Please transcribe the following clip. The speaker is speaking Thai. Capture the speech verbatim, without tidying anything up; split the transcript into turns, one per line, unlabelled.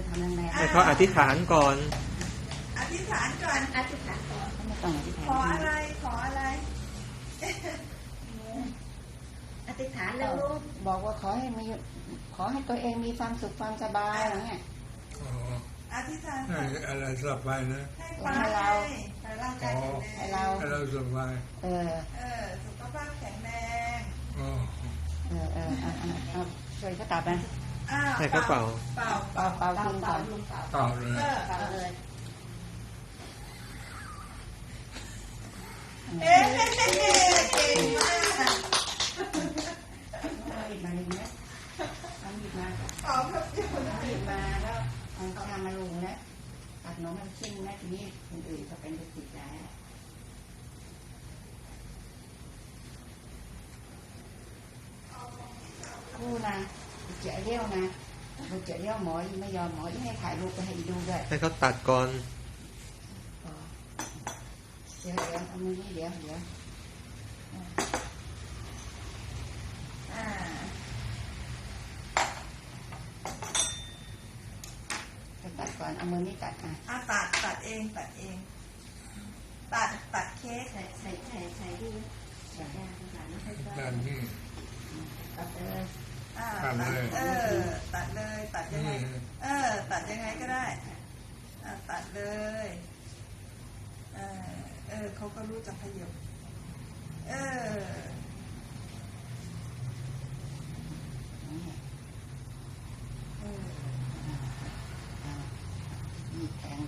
ทำแรง
ให้เขาอธิษฐานก่อน
อธิษฐานก่อน
ๆอธิษฐานก่อนไม่ต้องอธิษฐาน
ขออะไรขออะไร
อธิษฐานแล้วลูกบอกว่าขอให้มีขอให้ตัวเองมีความสุขความสบายอะไรเงี้ย
อ๋อ
อธิษฐาน
ให้อะไรสบายนะ
ให้ปลาให้ให้ร่างกายแข็งแรง
ให้เรา
ให้เราสบาย
เออ
เออสุขภาพแข็งแรง
อ๋อ
เออเออเอาเอาเอาช่วยเขาตัดไป
อ้าว
ให้เขาเป่า
เป่า
เป่าเป่ากินก่อน
เปล่าเลย
เออ
เป่าเลย
เอ๊ะเก่งมาก
เอาหยิบมาเลยนะเอาหยิบมา
เป่าครับเดียวนะ
เอาหยิบมาแล้วเอาชามมาลุงนะตัดน้องมันชิ้นนะทีนี้คนอื่นก็เป็นติดใจคู่นะเจ๋อเลี้ยวนะเราเจ๋อเลี้ยวหมอไม่ยอมหมอให้ถ่ายรูปไปให้ดูด้วย
ให้เขาตัดก่อน
เดี๋ยวเดี๋ยวเอามือนี่เดี๋ยวเดี๋ยวอ่าจะตัดก่อนเอามือนี่ตัดอ่ะ
อ่ะตัดตัดเองตัดเอง ตัดตัดเค้ก
ใส่ใส่ใส่ใส่ดิใส่ยาภาษาไม่ค่อยชอบ
ด้านนี้
ตัดเลย
อ่า
ตัดเลย
เออตัดเลยตัดยังไง
อืม
เออ ตัดยังไงก็ได้อ่ะตัดเลยเออเออเขาก็รู้จักขยับเออ
นี่
เออ
อ่ามีแทง